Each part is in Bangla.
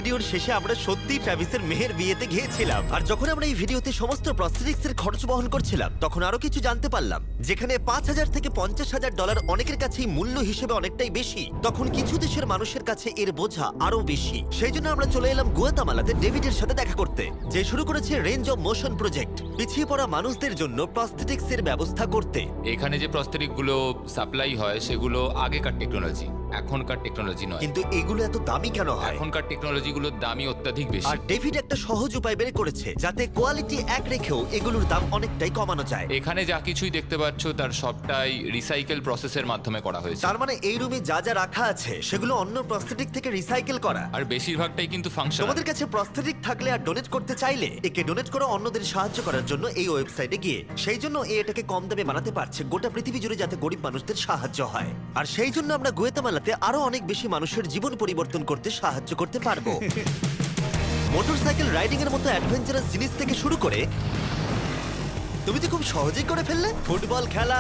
ভিডিওর শেষে আমরা সত্যি ট্র্যাভিসের মেহের বিয়েতে গিয়েছিলাম। আর যখন আমরা এই ভিডিওতে সমস্ত প্রস্থেটিক্সের খরচ বহন করছিলাম, তখন আরো কিছু জানতে পারলাম। যেখানে $5,000 থেকে $50,000 অনেকের কাছেই মূল্য হিসেবে অনেকটাই বেশি, তখন কিছু দেশের মানুষের কাছে এর বোঝা আরো বেশি। সেই জন্য আমরা চলে এলাম গুয়াতামালাতে ডেভিডের সাথে দেখা করতে, যে শুরু করেছে রেঞ্জ অফ মোশন প্রজেক্ট, পিছিয়ে পড়া মানুষদের জন্য প্রস্থেটিক্স এর ব্যবস্থা করতে। এখানে যে প্রস্তরিক গুলো সাপ্লাই হয় সেগুলো আগেকার টেকনোলজি, এখনকার টেকনোলজি নয়। কিন্তু এগুলো এত দামি কেন হয়? এখনকার টেকনোলজি গুলোর দামই অত্যাধিক বেশি। আর ডেভিড একটা সহজ উপায় বের করেছে যাতে কোয়ালিটি এক রেখেও এগুলোর দাম অনেকটাই কমানো যায়। এখানে যা কিছুই দেখতে পাচ্ছ তার সবটাই রিসাইকেল প্রসেসের মাধ্যমে করা হয়েছে। তার মানে এই রুমে যা যা রাখা আছে সেগুলো অন্য প্রস্থেটিক থেকে রিসাইকেল করা। আর বেশিরভাগটাই কিন্তু ফাংশনাল। তোমাদের কাছে প্রস্থেটিক থাকলে আর ডোনেট করতে চাইলে একে ডোনেট করো অন্যদের সাহায্য করার জন্য এই ওয়েবসাইটে গিয়ে। সেই জন্য এটাকে কম দামে বানাতে পারছে গোটা পৃথিবী জুড়ে, যাতে গরিব মানুষদের সাহায্য হয়। আর সেই জন্য আমরা গুয়েতামালাতে আরো অনেক বেশি মানুষের জীবন পরিবর্তন করতে সাহায্য করতে পারবো। মোটরসাইকেল রাইডিং এর মতো অ্যাডভেঞ্চারাস জিনিস থেকে শুরু করে তুমি তো খুব সহজেই করে ফেললে। ফুটবল খেলা,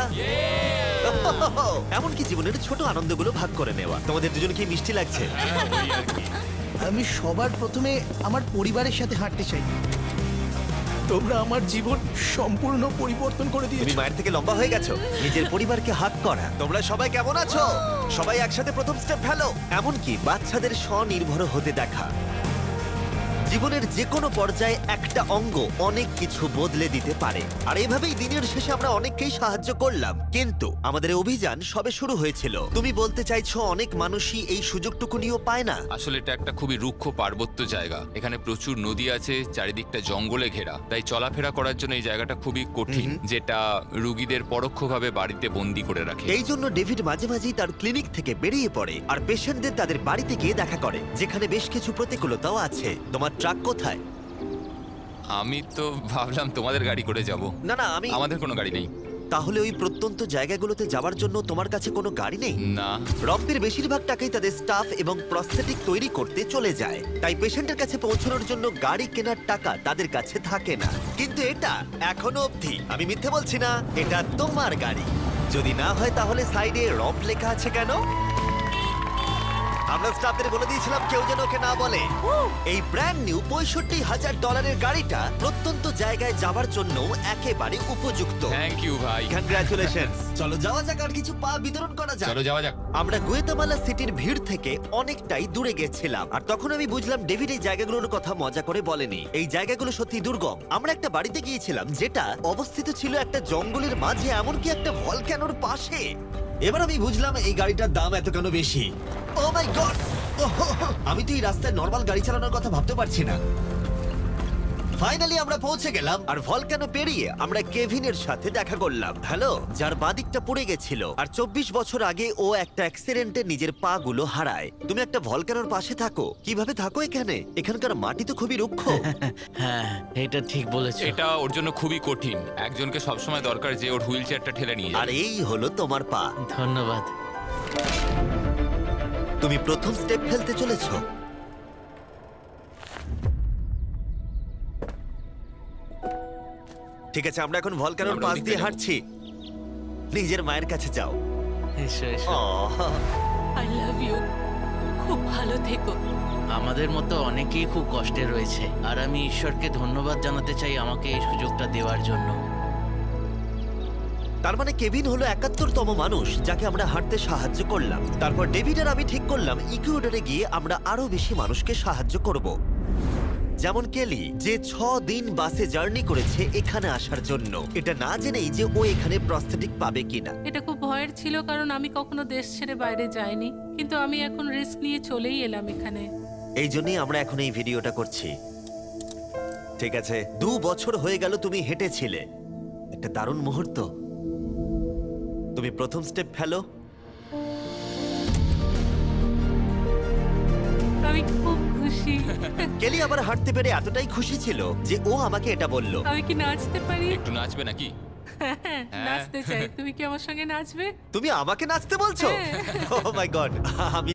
এমনকি জীবনের ছোট আনন্দগুলো ভাগ করে নেওয়া। তোমাদের দুজনকে মিষ্টি লাগছে? আমি সবার প্রথমে আমার পরিবারের সাথে হাঁটতে চাই। তোমরা আমার জীবন সম্পূর্ণ পরিবর্তন করে তুমি দিয়েছো। মায়ের থেকে লম্বা হয়ে গেছো। নিজের পরিবারকে হাত করা। তোমরা সবাই কেমন আছো? সবাই একসাথে প্রথম স্টেপ ফেলো। এমনকি বাচ্চাদের স্বনির্ভর হতে দেখা। জীবনের যে কোনো পর্যায়ে একটা অঙ্গ অনেক কিছু বদলে দিতে পারে। আর এইভাবেই দিনের শেষে আমরা অনেককেই সাহায্য করলাম, কিন্তু আমাদের অভিযান সবে শুরু হয়েছিল। তুমি বলতে চাইছো অনেক মানুষই এই সুযোগটুকু নিয়েও পায় না? আসলে এটা একটা খুবই রুক্ষ পার্বত্য জায়গা। এখানে প্রচুর নদী আছে, চারিদিকটা জঙ্গলে ঘেরা। তাই চলাফেরা করার জন্য এই জায়গাটা খুবই কঠিন, যেটা রুগীদের পরোক্ষভাবে বাড়িতে বন্দি করে রাখে। এই জন্য ডেভিড মাঝে মাঝেই তার ক্লিনিক থেকে বেরিয়ে পড়ে আর পেশেন্টদের তাদের বাড়িতে গিয়ে দেখা করে, যেখানে বেশ কিছু প্রতিকূলতাও আছে। তোমার ট্রাক কোথায়? আমি তো ভাবলাম তোমাদের গাড়ি করে যাব। না না, আমাদের কোনো গাড়ি নেই। তাহলে ওই প্রত্যন্ত জায়গাগুলোতে যাওয়ার জন্য তোমার কাছে কোনো গাড়ি নেই? না। রম্পের বেশিরভাগ টাকাই তাদের স্টাফ এবং প্রস্থেটিক তৈরি করতে চলে যায়, তাই পেশেন্টের কাছে পৌঁছানোর জন্য গাড়ি কেনার টাকা তাদের কাছে থাকে না। কিন্তু এটা এখনো অবধি, আমি মিথ্যে বলছি না, এটা তোমার গাড়ি। যদি না হয় তাহলে সাইডে রম্প লেখা আছে কেন? আমরা স্টাফদের বলে দিয়েছিলাম কেউ যেন ওকে না বলে। এই ব্র্যান্ড নিউ $65,000 গাড়িটা প্রত্যন্ত জায়গায় যাবার জন্য একেবারে উপযুক্ত। থ্যাংক ইউ ভাই। কংগ্রাচুলেশনস। চলো যাওয়া যাক আর কিছু পা বিতরণ করা যাক। চলো যাওয়া যাক। আমরা গুয়েতামালা সিটির ভিড় থেকে অনেকটাই দূরে গেছিলাম, আর তখন আমি বুঝলাম ডেভিড এই জায়গাগুলোর কথা মজা করে বলেনি। এই জায়গাগুলো সত্যি দুর্গম। আমরা একটা বাড়িতে গিয়েছিলাম যেটা অবস্থিত ছিল একটা জঙ্গলের মাঝে, এমনকি একটা ভলক্যানোর পাশে। এবার আমি বুঝলাম এই গাড়িটার দাম এত কেন বেশি। Oh my God! আমি তো এই রাস্তায় নরমাল গাড়ি চালানোর কথা ভাবতে পারছি না। ফাইনালি আমরা পৌঁছে গেলাম, আর ভলকানো পেরিয়ে আমরা কেভিনের সাথে দেখা করলাম। হ্যালো, যার বাদিকটা পড়ে গেছিল, আর 24 বছর আগে ও একটা অ্যাক্সিডেন্টে নিজের পা গুলো হারায়। তুমি একটা ভলকানোর পাশে থাকো, কিভাবে থাকো এখানে? এখানকার মাটি তো খুবই রুক্ষ। হ্যাঁ, এটা ঠিক বলেছো। এটা ওর জন্য খুবই কঠিন। একজনকে সবসময় দরকার যে ওর হুইল চেয়ারটা ঠেলে নিয়ে আর যাবে। এই হলো তোমার পা। ধন্যবাদ। তুমি প্রথম স্টেপ ফেলতে চলেছো। ঠিক আছে, আমরা এখন ভলকানোর আমরা পাশ ওদিকে দিয়ে যাবো। হাঁটছি। নিজের মায়ের কাছে যাও। এসো এসো। Ah, I love you. খুব ভালো থেকো। আমাদের মতো অনেকেই খুব কষ্টে রয়েছে, আর আমি ঈশ্বরকে ধন্যবাদ জানাতে চাই আমাকে এই সুযোগটা দেওয়ার জন্য। তার মানে কেভিন হলো 71তম মানুষ যাকে আমরা হাঁটতে সাহায্য করলাম। তারপর ডেভিড আর আমি ঠিক করলাম ইকুয়েডরে গিয়ে আমরা আরো বেশি মানুষকে সাহায্য করব, যেমন কেলি, যে 6 দিন বাসে জার্নি করেছে এখানে আসার জন্য, এটা না জেনেই যে ও এখানে প্রস্থেটিক পাবে কিনা। এটা খুব ভয়ের ছিল, কারণ আমি কখনো দেশ ছেড়ে বাইরে যাইনি, কিন্তু আমি এখন রিস্ক নিয়ে চলেই এলাম এখানে। এই জন্যই আমরা এখন এই ভিডিওটা করছি। ঠিক আছে, 2 বছর হয়ে গেল তুমি হেঁটেছিলে, একটা দারুণ মুহূর্ত। তুমি প্রথম স্টেপ ফেলো। আমি খুব খুশি। কেলি আবার হাঁটতে পেরে এতটাই খুশি ছিল যে ও আমাকে এটা বলল। আমি কি নাচতে পারি? একটু নাচবে নাকি? নাচতে চাই। তুমি কি আমার সঙ্গে নাচবে? তুমি আমাকে নাচতে বলছো? হ্যাঁ। ও মাই গড, আমি